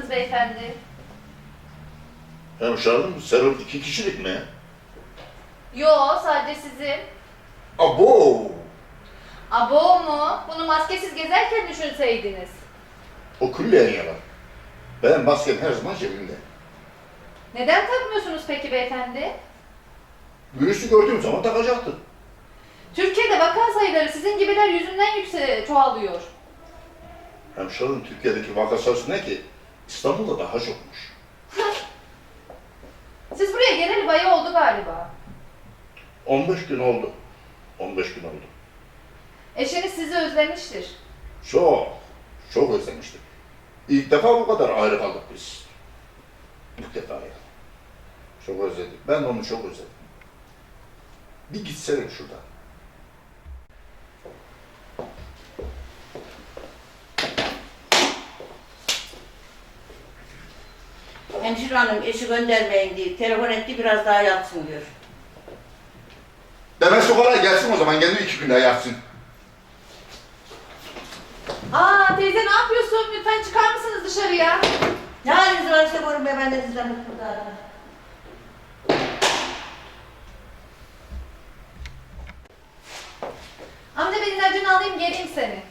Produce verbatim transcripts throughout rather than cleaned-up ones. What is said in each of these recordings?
mısınız beyefendi? Hemşerim, serum iki kişilik mi? Yo, sadece sizin. Abo! Abo mu? Bunu maskesiz gezerken düşünseydiniz. O külliyen yalan. Benim maskem her zaman cebimde. Neden takmıyorsunuz peki beyefendi? Virüsü gördüğüm zaman takacaktım. Türkiye'de vaka sayıları sizin gibiler yüzünden yüksek çoğalıyor. Hemşerim, Türkiye'deki vaka sayısı ne ki? İstanbul'da daha çokmuş. Siz buraya geleli bayağı oldu galiba. on beş gün oldu. on beş gün oldu. Eşiniz sizi özlemiştir. Çok, çok özlemiştim. İlk defa bu kadar ayrı kaldık biz. İlk defa ya. Çok özledik. Ben onu çok özledim. Bir gitsene şuradan. Hemşire hanım eşi göndermeyin diye telefon etti, biraz daha yatsın diyor. Demesi kolay, gelsin o zaman. Kendi iki günde yatsın. Aa teyze ne yapıyorsun? Lütfen çıkar mısınız dışarıya? Ne haliniz var işte buyurun be, ben de sizden mutlu da. Amca ben ilacını alayım geleyim seni.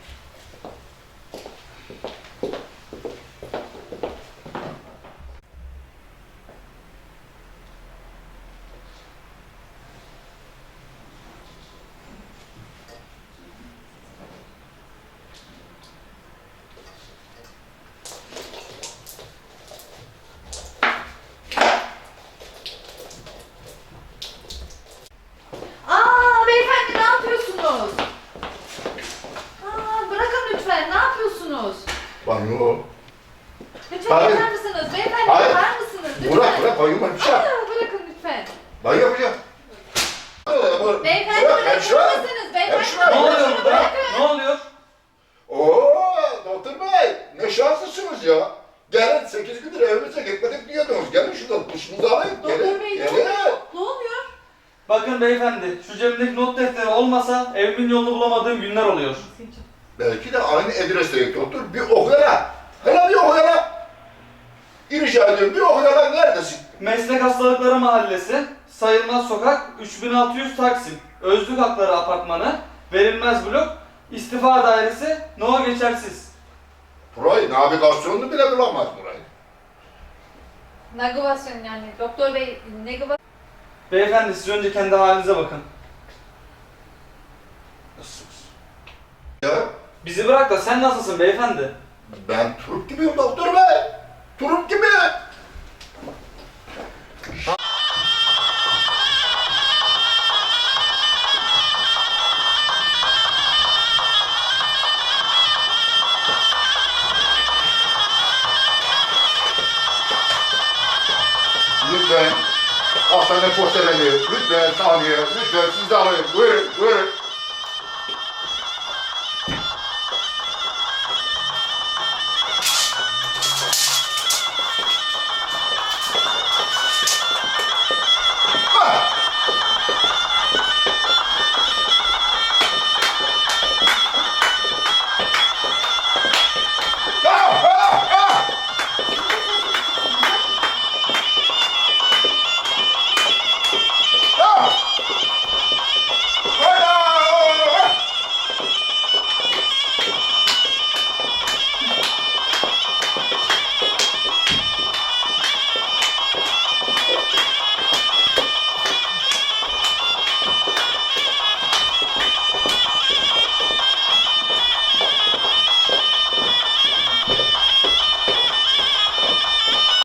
Aa beyefendi ne yapıyorsunuz? Aa bırakın lütfen ne yapıyorsunuz? Banyo. Lütfen Hayır. yapar mısınız? Beyefendi Hayır. yapar mısınız? Lütfen. Bırak, bırak. Banyo var bir şey. Aa, bırakın lütfen. Banyo yapacağım. Beyefendi Bırak, bırakır hemşire. mısınız? Beyefendi Hemşire. Ne oluyor şunu burada? bırakın. Ne oluyor? Oo, doktor bey, ne şanslısınız ya. Gelin, sekiz gündür evimize gitmedik diyordunuz. Gelin şuradan duşunuzu alayım. Doktor Gelin, bey ne gelin. oluyor? Ne oluyor? Bakın beyefendi, şu cebimdeki not defteri olmasa evimin yolunu bulamadığım günler oluyor. Belki de aynı adresteyim doktor. Bir okuyana. Hele bir okuyana. İrica ediyorum, bir okuyana neredesin? Meslek Hastalıkları Mahallesi, Sayılmaz Sokak, üç bin altı yüz Taksim, Özlük Hakları Apartmanı, Verilmez Blok, İstifa Dairesi, No Geçersiz. Burayı, navigasyonunu bile bulamaz burayı. Nagivasyon yani doktor bey nagivasyon. Beyefendi siz önce kendi halinize bakın. Nasılsınız? Ya, Bizi bırak da sen nasılsın beyefendi? ben Turp gibiyim doktor bey. Turp gibi. Lütfen hastane posterleri, lütfen saniye, lütfen siz de alayım. Buyurun, buyurun.